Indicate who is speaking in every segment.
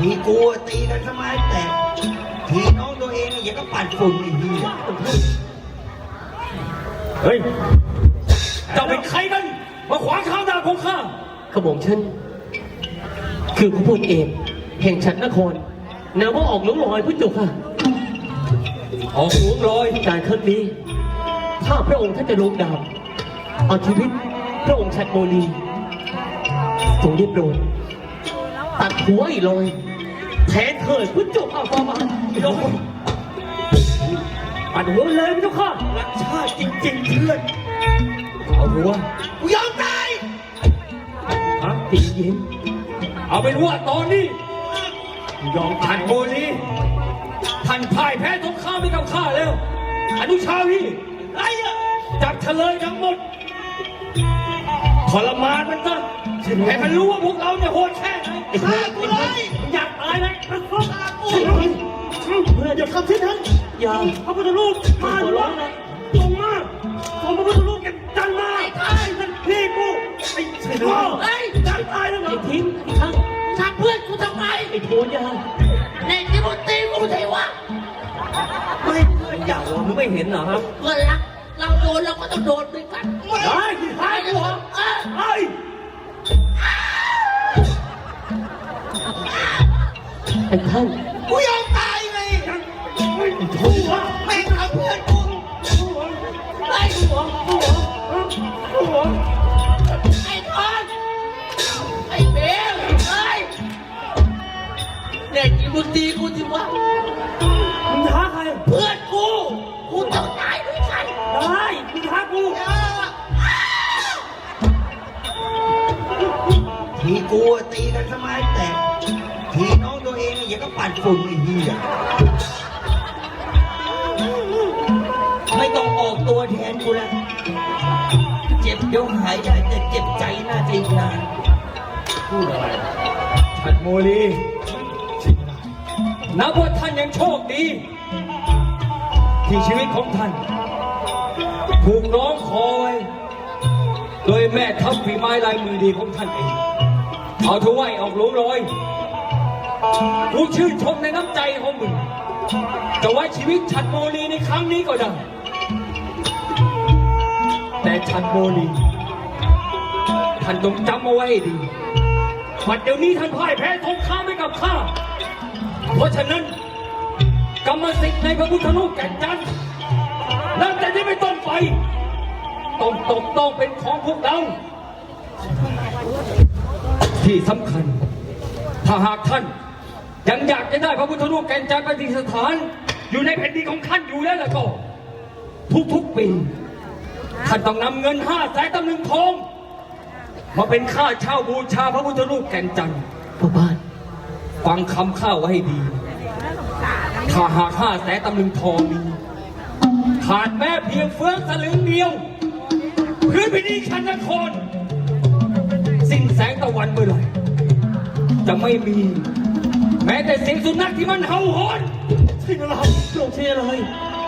Speaker 1: ทีกูตีกันทำไมแต่ทีน้องตัวเองเนี่ยยังก็ปั่นฝุ่นอีกที
Speaker 2: เฮ้ยเจ้าเป็นใครกันมาขวางทางดาบของข้า
Speaker 3: กระบอกฉันคือผู้พูดเองแห่งฉันนครนามว่าออกหลวงลอยพุทธจุกค่ะ
Speaker 2: ออกหลวงลอย
Speaker 3: การครั้งนี้ถ้าพระองค์ท่านจะลงดาบเอาชีวิตพระองค์ชัดโมลีทรงได้โปรดตัดหัวไอ้ลอยแทนเถิดพุทธจุกเอาฟ้ามาลงตัดหัวเลยพุทธจุกค่ะ
Speaker 2: รักชาติจริงๆเพื่อนเอาหัว
Speaker 1: กูยอมตาย
Speaker 2: ฮะ
Speaker 3: ตีเย็น
Speaker 2: เอาเป็นว่าตอนนี้ยอมท่านโมลีท่านพ่ายแพ้สงครามไปกับข้าแล้วอนุชาวีไอ้อะจับเฉลยทั้งหมดทรมานมันซะให้มันรู้ว่าพวกเราเนี่ยโหดแค่ไหน
Speaker 1: ฆ่ากูเลย
Speaker 2: อยากตายไหม
Speaker 1: ฆ่ากู
Speaker 3: เพื่อน
Speaker 1: อย่าทำเช่นนั้น
Speaker 3: อย่า
Speaker 2: พระพุทธรูปมาหลวงลงมาส่งพระพุทธรูปกันจันมาไอ้นั่นพี่กูไอ้เฉลย
Speaker 4: เฮ้ย
Speaker 2: จันตายแล้วเหร
Speaker 3: ไอ้
Speaker 2: อ
Speaker 3: ทิ้งไอ้ทั้ง
Speaker 4: ทำเพื่อนกูทำไม
Speaker 3: ไอ้โทนยา
Speaker 4: เด็กที่มึงตีกูใช่วะ
Speaker 2: ไม่อยากมึงไม่เห็นเหรอครับ
Speaker 4: เพื่อนรัก เราโดนเราก็ต้องโดนด้วยกัน
Speaker 2: ได้ตายกูเหรอไอ้
Speaker 3: ไอ้ท่าน
Speaker 1: กูยอมตายไง
Speaker 2: ถูกอ่ะ
Speaker 1: แม่งทำเพื่อนกู
Speaker 4: ไอ้ไอ้ทอนไอ้เบลเฮ้ยเด็กที่มึงตีกูสิวะ
Speaker 2: มึงท้าใคร
Speaker 4: เพื่อนกูกูต้องตายด้วยกัน
Speaker 2: ได้มึงท้ากู
Speaker 1: ทีกูตีกันทำไมแต่ทีน้องตัวเองเนี่ยยังก็ปั่นฝุ่นอีกทีไม่ต้องออกตัวแทนกูแล้วเจ็บเดี๋ยวหายได้แต่เจ็บใจน่าจะอีกนาน
Speaker 2: พูดอะไรฉัดโมลีนับว่าท่านยังโชคดี ที่ชีวิตของท่าน ถูกร้องคอย โดยแม่ทัพฝีไม้ลายมือดีของท่านเอง เอาเถอะไว้ออกหลวงลอยกูชื่นชมในน้ำใจของมึง จะไว้ชีวิตฉัดโมลีในครั้งนี้ก็ได้ แต่ฉัดโมลีท่านต้องจำเอาไว้ให้ดีบัดเดี๋ยวนี้ท่านพ่ายแพ้สงครามให้กับข้า เพราะฉะนั้นกรรมสิทธิ์ในพระพุทธรูปแก่นจันทร์นับแต่นี้ไม่ต้นไปต้องเป็นของพวกเรา ที่สำคัญ ถ้าหากท่านยังอยากจะได้พระพุทธรูปแก่นจันทร์ประดิษฐาน อยู่ในแผ่นดินของท่านอยู่แล้วล่ะก็ ทุกๆปีท่านต้องนำเงิน500,000 ตำลึงทอง มาเป็นค่าเช่าบูชาพระพุทธรูปแก่นจันทร์
Speaker 3: พ่อบ้าน
Speaker 2: ฟังคำข้าไว้ให้ดี ถ้าหาก500,000 ตำลึงทองนี้ขาดแม้เพียงเฟืองสลึงเดียวพื้นแผ่นดินชันนคร สิ้นแสงตะวันเมื่อไหร่จะไม่มี แม้แต่เสียงสุนัขที่มันเห่าหอนใช่ไหมล่ะ
Speaker 3: ลงเชียร์เลย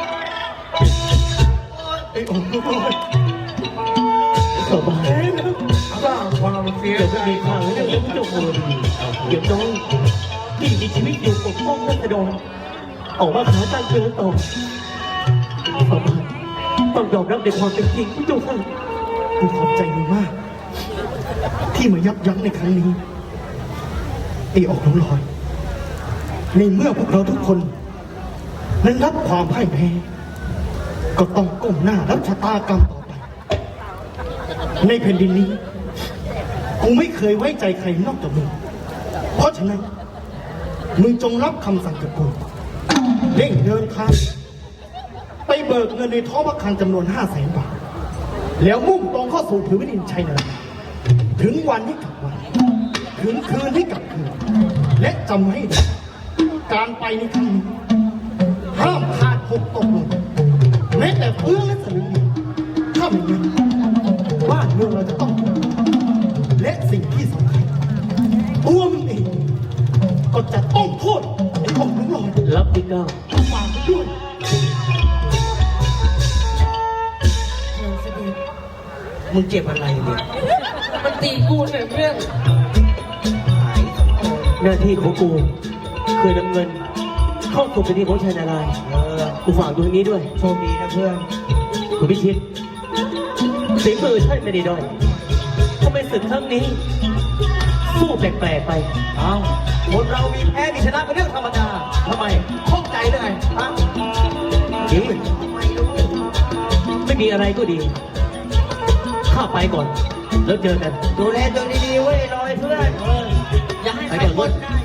Speaker 2: ไอ้องค์ลูกน้อย
Speaker 3: พ่อบ้าน
Speaker 2: สร้างความเสีย
Speaker 3: เดี๋ยว
Speaker 2: ใจ
Speaker 3: จะมีข่าวเรื่องนี้พุทธจุกโมลีเดี๋ยวน้องที่มีชีวิตอยู่ปกป้องรัษฎรออกมาหาตั้งเตือนต่อพ่อบ้านต้องยอมรับในความเป็นจริงพุทธจุกค่ะ
Speaker 5: กูขอบใจมึงมาก ที่มายับยั้งในครั้งนี้ไอ้ออกน้องลอย ในเมื่อพวกเราทุกคน นั้นรับความพ่ายแพ้ ก็ต้องก้มหน้ารับชะตากรรมต่อไป ในแผ่นดินนี้ กูไม่เคยไว้ใจใครนอกจากมึง เพราะฉะนั้น มึงจงรับคำสั่งจากกูเร่งเดินทางไปเบิกเงินในท้องพระคลังจำนวน500,000 บาท แล้วมุ่งตรงเข้าสู่ผืนแผ่นดินชัยนาราถึงวันให้กลับวัน ถึงคืนให้กลับคืน และจำให้ดีการไปในครั้งนี้ห้ามขาดหกตกหล่นแม้แต่เพื่อและสลึงเดียวถ้าไม่งั้นบ้านเมืองเราจะต้องทุกข์และสิ่งที่สำคัญตัวมึงเองก็จะต้องโทษไอ้ของมึงหลอย
Speaker 3: รับที่เก้า
Speaker 5: ฝากด้วย
Speaker 1: มึงเจ็บอะไรเนี่ย
Speaker 4: มันตีกูเนี่ยเพื่อน
Speaker 1: หายสองคน
Speaker 3: หน้าที่ของกูคืนน้ำเงิน เข้าสู่เป็นที่ของชายนารายณ์กูฝากดูตรงนี้ด้วย
Speaker 1: โชคดีนะเพื่อน
Speaker 3: คุณพิชิตฝีมือท่านไม่ได้ด้อยทำไมศึกครั้งนี้ สู้แปลกๆไป
Speaker 1: เอ้าคนเรามีแพ้มีชนะเป็นเรื่องธรรมดา
Speaker 3: ทำไม
Speaker 1: ข้องใจเลยไงฮะ
Speaker 3: ดีไม่มีอะไรก็ดี ข้าไปก่อน แล้วเจอกัน
Speaker 1: ดูแลตัวดีๆเว้ยลอยเพื่อน
Speaker 4: อย่าให้
Speaker 3: ไป
Speaker 4: ใคร
Speaker 3: ก่อน
Speaker 4: คนนะ